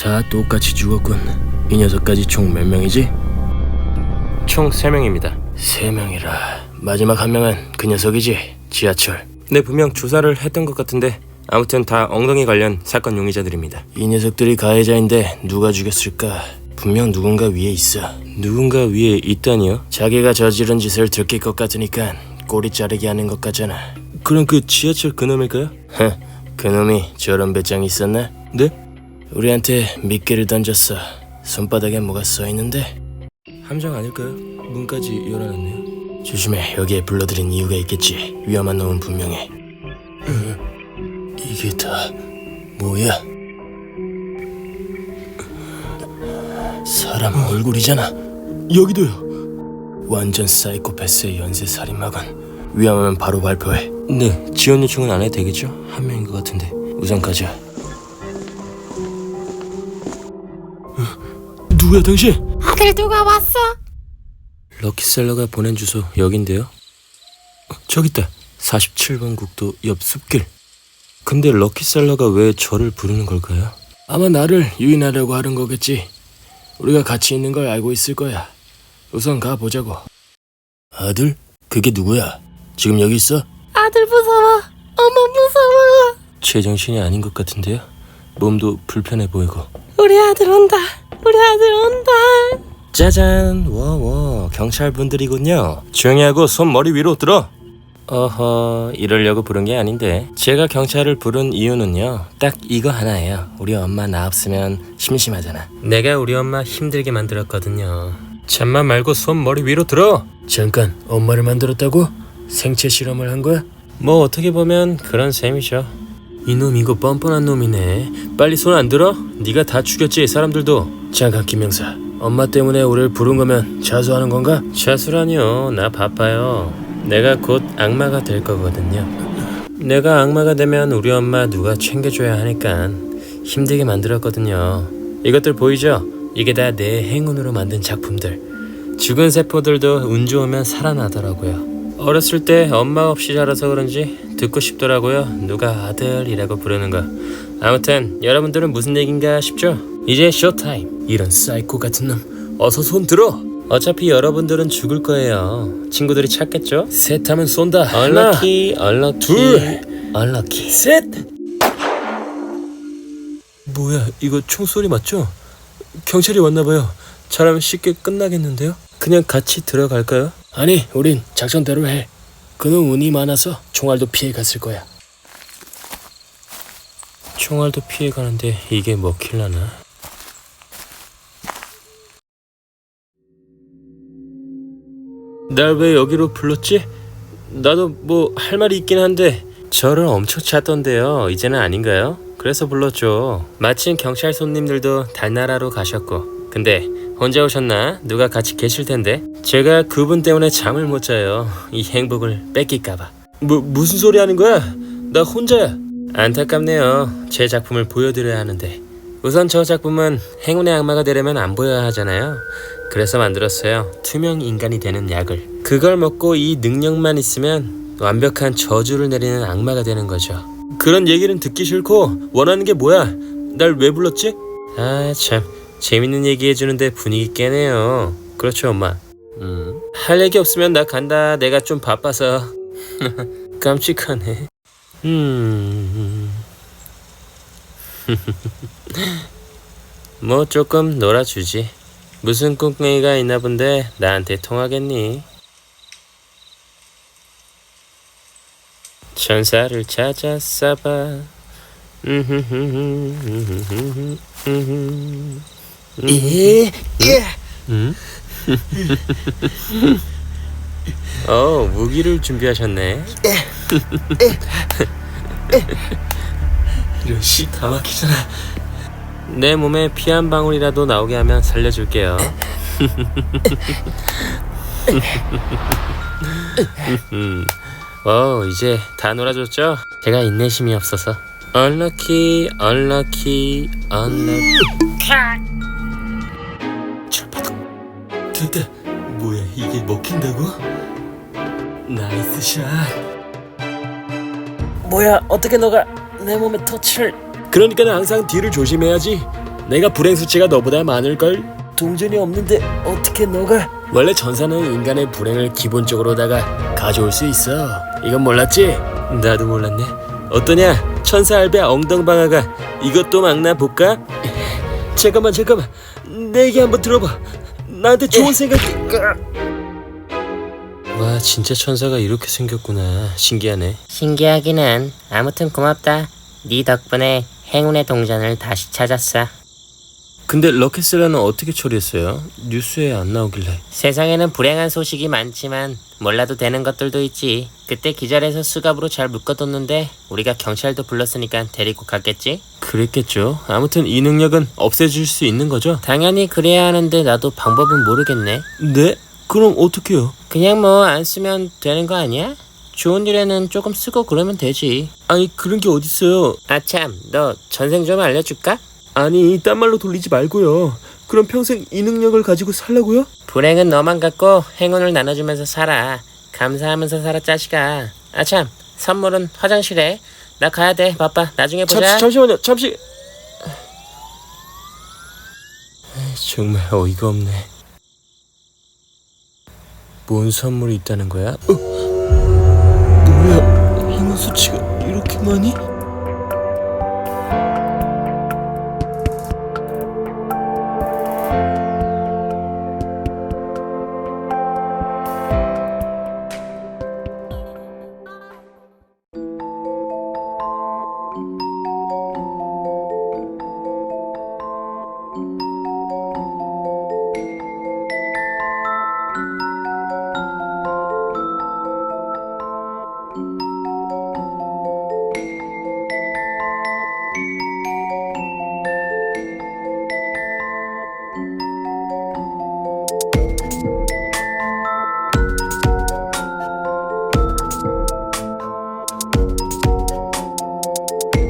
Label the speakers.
Speaker 1: 다 똑같이 죽었군. 이 녀석까지 총 몇 명이지? 총 3명입니다. 3명이라 마지막 한 명은 그 녀석이지? 지하철. 네, 분명 주사를 했던 것 같은데 아무튼 다 엉덩이 관련 사건 용의자들입니다. 이 녀석들이 가해자인데 누가 죽였을까? 분명 누군가 위에 있어. 누군가 위에 있다니요? 자기가 저지른 짓을 들킬 것 같으니까 꼬리 자르게 하는 것 같잖아. 그럼 그 지하철 그놈일까요? 그놈이 저런 배짱이 있었나? 네? 우리한테 미끼를 던졌어. 손바닥에 뭐가 써있는데? 함정 아닐까요? 문까지 열어놨네요. 조심해. 여기에 불러들인 이유가 있겠지. 위험한 놈은 분명해. 이게 다 뭐야? 사람 얼굴이잖아. 여기도요. 완전 사이코패스의 연쇄 살인마건. 위험하면 바로 발표해. 네, 지원 요청은 안 해도 되겠죠? 한 명인 것 같은데. 우선 가자. 누구야 당신?
Speaker 2: 아들 누가 왔어?
Speaker 1: 럭키셀러가 보낸 주소 여긴데요. 저기 있다. 47번 국도 옆 숲길. 근데 럭키셀러가 왜 저를 부르는 걸까요? 아마 나를 유인하려고 하는 거겠지. 우리가 같이 있는 걸 알고 있을 거야. 우선 가보자고. 아들? 그게 누구야? 지금 여기 있어?
Speaker 2: 아들 무서워. 엄마 무서워.
Speaker 1: 제정신이 아닌 것 같은데요? 몸도 불편해 보이고.
Speaker 2: 우리 아들 온다. 우리 아들 온다.
Speaker 1: 짜잔. 워워, 경찰분들이군요. 조용히 하고 손 머리 위로 들어. 어허, 이러려고 부른 게 아닌데. 제가 경찰을 부른 이유는요, 딱 이거 하나예요. 우리 엄마 나 없으면 심심하잖아. 내가 우리 엄마 힘들게 만들었거든요. 잠만 말고 손 머리 위로 들어. 잠깐, 엄마를 만들었다고? 생체 실험을 한 거야? 뭐 어떻게 보면 그런 셈이죠. 이놈 이거 뻔뻔한 놈이네. 빨리 손 안 들어? 네가 다 죽였지 사람들도. 잠깐 김명사, 엄마 때문에 우리를 부른 거면 자수하는 건가? 자수라니요, 나 바빠요. 내가 곧 악마가 될 거거든요. 내가 악마가 되면 우리 엄마 누가 챙겨줘야 하니까 힘들게 만들었거든요. 이것들 보이죠? 이게 다 내 행운으로 만든 작품들. 죽은 세포들도 운 좋으면 살아나더라고요. 어렸을 때 엄마 없이 자라서 그런지 듣고 싶더라고요. 누가 아들이라고 부르는 거. 아무튼 여러분들은 무슨 얘긴가 싶죠? 이제 쇼타임. 이런 사이코 같은 놈, 어서 손 들어. 어차피 여러분들은 죽을 거예요. 친구들이 찾겠죠? 셋 하면 쏜다. 얼럭키, 얼럭키, 둘, 얼럭키, 셋. 뭐야, 이거 총소리 맞죠? 경찰이 왔나봐요. 잘하면 쉽게 끝나겠는데요? 그냥 같이 들어갈까요? 아니, 우린 작전대로 해. 그는 운이 많아서 총알도 피해갔을 거야. 총알도 피해가는데 이게 먹힐라나? 날 왜 여기로 불렀지? 나도 뭐 할 말이 있긴 한데. 저를 엄청 찾던데요. 이제는 아닌가요? 그래서 불렀죠. 마침 경찰 손님들도 달나라로 가셨고. 근데 혼자 오셨나? 누가 같이 계실 텐데. 제가 그분 때문에 잠을 못 자요. 이 행복을 뺏길까봐. 무슨 소리 하는 거야? 나 혼자야. 안타깝네요. 제 작품을 보여드려야 하는데. 우선 저 작품은 행운의 악마가 되려면 안 보여야 하잖아요. 그래서 만들었어요. 투명 인간이 되는 약을. 그걸 먹고 이 능력만 있으면 완벽한 저주를 내리는 악마가 되는 거죠. 그런 얘기는 듣기 싫고 원하는 게 뭐야? 날 왜 불렀지? 아 참, 재밌는 얘기 해주는데 분위기 깨네요. 그렇죠 엄마? 할 얘기 없으면 나 간다. 내가 좀 바빠서. 깜찍하네. 뭐 조금 놀아주지. 무슨 꿍꿍이가 있나 본데 나한테 통하겠니? 천사를 찾았어봐. 무기를 준비하셨네. 이런 씨 다 막히잖아. 내 몸에 피 한 방울이라도 나오게 하면 살려줄게요. 이제 다 놀아줬죠? 제가 인내심이 없어서. Unlucky, unlucky, unlucky. 철바닥. 됐다. 뭐야, 이게 먹힌다고? 나이스 샷. 뭐야, 어떻게 너가 내 몸에 터치를. 그러니까 항상 뒤를 조심해야지. 내가 불행 수치가 너보다 많을걸? 동전이 없는데 어떻게 너가? 원래 전사는 인간의 불행을 기본적으로다가 가져올 수 있어. 이건 몰랐지? 나도 몰랐네. 어떠냐? 천사 알베 엉덩방아가 이것도 막나 볼까? 잠깐만 내 얘기 한번 들어봐. 나한테 좋은 생각이... 와, 진짜 천사가 이렇게 생겼구나. 신기하네.
Speaker 2: 신기하기는. 아무튼 고맙다. 네 덕분에 행운의 동전을 다시 찾았어.
Speaker 1: 근데 럭키슬라는 어떻게 처리했어요? 뉴스에 안 나오길래.
Speaker 2: 세상에는 불행한 소식이 많지만 몰라도 되는 것들도 있지. 그때 기절해서 수갑으로 잘 묶어뒀는데 우리가 경찰도 불렀으니까 데리고 갔겠지?
Speaker 1: 그랬겠죠. 아무튼 이 능력은 없애줄 수 있는 거죠?
Speaker 2: 당연히 그래야 하는데 나도 방법은 모르겠네.
Speaker 1: 네? 그럼 어떡해요?
Speaker 2: 그냥 뭐 안 쓰면 되는 거 아니야? 좋은 일에는 조금 쓰고 그러면 되지.
Speaker 1: 아니, 그런 게 어딨어요.
Speaker 2: 아참, 너 전생 좀 알려줄까?
Speaker 1: 아니, 딴 말로 돌리지 말고요. 그럼 평생 이 능력을 가지고 살라고요?
Speaker 2: 불행은 너만 갖고 행운을 나눠주면서 살아. 감사하면서 살아, 자식아. 아참, 선물은 화장실에. 나 가야 돼. 바빠. 나중에 보자.
Speaker 1: 잠시만요. 잠시. 정말 어이가 없네. 뭔 선물이 있다는 거야? 뭐야? 행운 수치가 이렇게 많이?